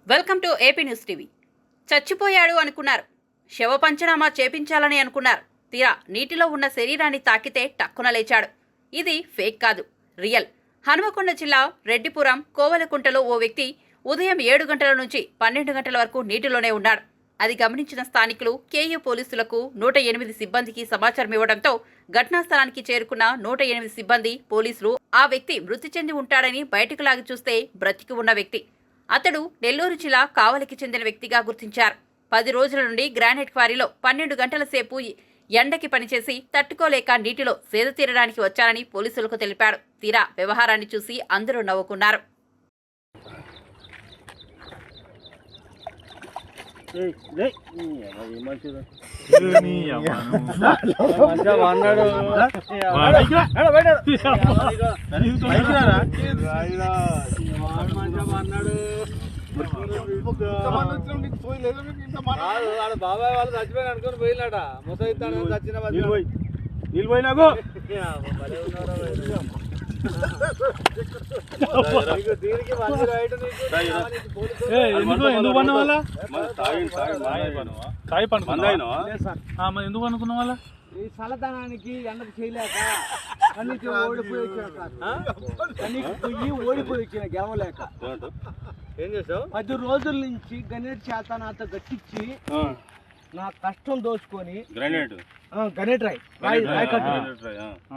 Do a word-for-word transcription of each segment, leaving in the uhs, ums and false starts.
Welcome to AP News TV. చచ్చిపోయాడు అనుకున్నారు, శవ పంచనామా చేపించాలని అనుకున్నారు. తీరా నీటిలో ఉన్న శరీరాన్ని తాకితే టక్కున లేచాడు. ఇది ఫేక్ కాదు, రియల్. హనుమకొండ జిల్లా రెడ్డిపురం కోవలకుంటలో ఓ వ్యక్తి ఉదయం ఏడు గంటల నుంచి పన్నెండు గంటల వరకు నీటిలోనే ఉన్నాడు. అది గమనించిన స్థానికులు కేయూ పోలీసులకు నూట ఎనిమిది సిబ్బందికి సమాచారం ఇవ్వడంతో ఘటనా స్థలానికి చేరుకున్న నూట ఎనిమిది సిబ్బంది పోలీసులు ఆ వ్యక్తి మృతి చెంది ఉంటాడని బయటకు లాగి చూస్తే బ్రతికి ఉన్న వ్యక్తి. అతడు నెల్లూరు జిల్లా కావలికి చెందిన వ్యక్తిగా గుర్తించారు. పది రోజుల నుండి గ్రానైట్ క్వారీలో పన్నెండు గంటల సేపు ఎండకి పనిచేసి తట్టుకోలేక నీటిలో సేద తీరడానికి వచ్చారని పోలీసులకు తెలిపాడు. తీరా వ్యవహారాన్ని చూసి అందరూ నవ్వుకున్నారు. బాబాయ్ వాళ్ళు చచ్చిపోయిన అనుకుని పోయినాట ముసైతాను చచ్చిన దీనికి ఎందుకు అనుకున్న వాళ్ళ ఈ చల్లదనానికి ఎండకు చేయలేక కన్నీకి ఓడిపోయి వచ్చిన కన్నీకి పొయ్యి ఓడిపోయి వచ్చిన గెలవలేక ఏం చేసావు? పది రోజుల నుంచి గణేట్ చేత నాతో గట్టించి నా కష్టం దోచుకొని గ్రానైట్ గణేట్ రాయ్ రాయ్ రాయ్ కట్టు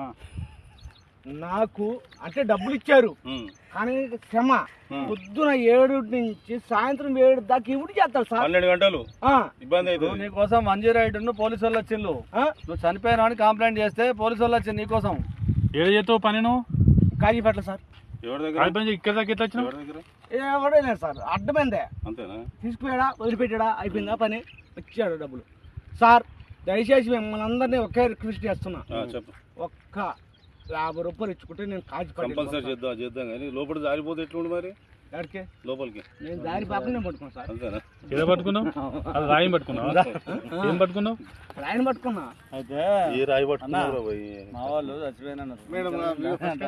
నాకు అంటే డబ్బులు ఇచ్చారు కానీ శ్రమ. పొద్దున ఏడు నుంచి సాయంత్రం ఏడు దాకా ఇవి చేస్తారు సార్. పన్నెండు గంటలు ఇబ్బంది అవుతుంది. నీకోసం వన్ జీరో ఎయిట్ పోలీసు వాళ్ళు వచ్చిండు. నువ్వు చనిపోయినా అని కంప్లైంట్ చేస్తే పోలీసు వాళ్ళు వచ్చింది నీకోసం. ఏడు చేస్తావు పని నువ్వు? కాజీపేట సార్. ఎవరి దగ్గర ఇక్కడ దాకా ఎట్లా వచ్చినావు? ఎవడే లేదు సార్, అడ్డమైందే. అంతేనా? తీసుకుపోయాడా వదిలిపెట్టాడా అయిపోయిందా పని, వచ్చాడు డబ్బులు. సార్ దయచేసి మిమ్మల్ని అందరినీ ఒకే రిక్వెస్ట్ చేస్తున్నా, ఒక్క యాభై రూపాయలు ఇచ్చుకుంటే నేను కాజీ కంపల్సరీ చేద్దాం చేద్దాం కానీ లోపల జారిపోతే ఎట్లుండి మరి? ఎక్కడికి లోపలికి నేను దారి పాపనే పట్టుకున్నాను సార్. అంతేనా? ఏదో పట్టుకున్నావు? అది రాయి పట్టుకున్నావు? ఏం పట్టుకున్నావు? రాయిని పట్టుకున్నా. అయితే ఈ రాయి పట్టుకున్నావు మా వాళ్ళు చచ్చిపోయినా